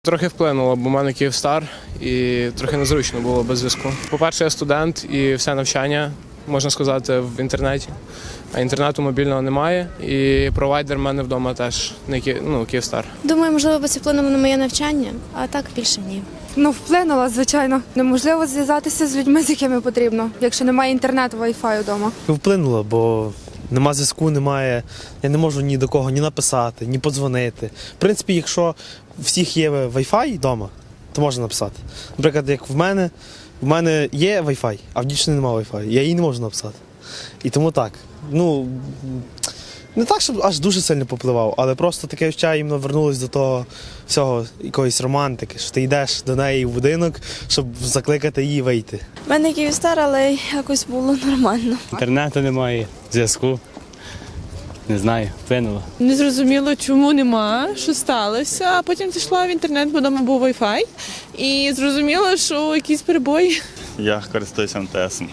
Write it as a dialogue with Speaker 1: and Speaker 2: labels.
Speaker 1: Трохи вплинуло, бо в мене Київстар і трохи незручно було без зв'язку. По-перше, я студент і все навчання, можна сказати, в інтернеті. А інтернету мобільного немає, і провайдер в мене вдома теж не Київстар.
Speaker 2: Думаю, можливо, би це вплинуло на моє навчання, а так більше ні.
Speaker 3: Вплинула, звичайно. Неможливо зв'язатися з людьми, з якими потрібно, якщо немає інтернету, вай-фаю вдома.
Speaker 4: Вплинуло, бо нема зв'язку, немає. Я не можу ні до кого ні написати, ні подзвонити. В принципі, якщо у всіх є Wi-Fi вдома, то можна написати. Наприклад, як в мене є Wi-Fi, а в дівчини немає Wi-Fi. Я їй не можу написати. І тому так. Не так, щоб аж дуже сильно попливав, але просто таке відчуття іменно вернулось до того всього, якоїсь романтики, що ти йдеш до неї в будинок, щоб закликати її вийти.
Speaker 5: У мене Київстар, але якось було нормально.
Speaker 6: Інтернету немає, зв'язку. Не знаю, вплинуло.
Speaker 7: Не зрозуміло, чому нема, що сталося. А потім зайшла в інтернет, бо вдома був Wi-Fi. І зрозуміло, що якісь перебої.
Speaker 8: Я користуюся МТСом.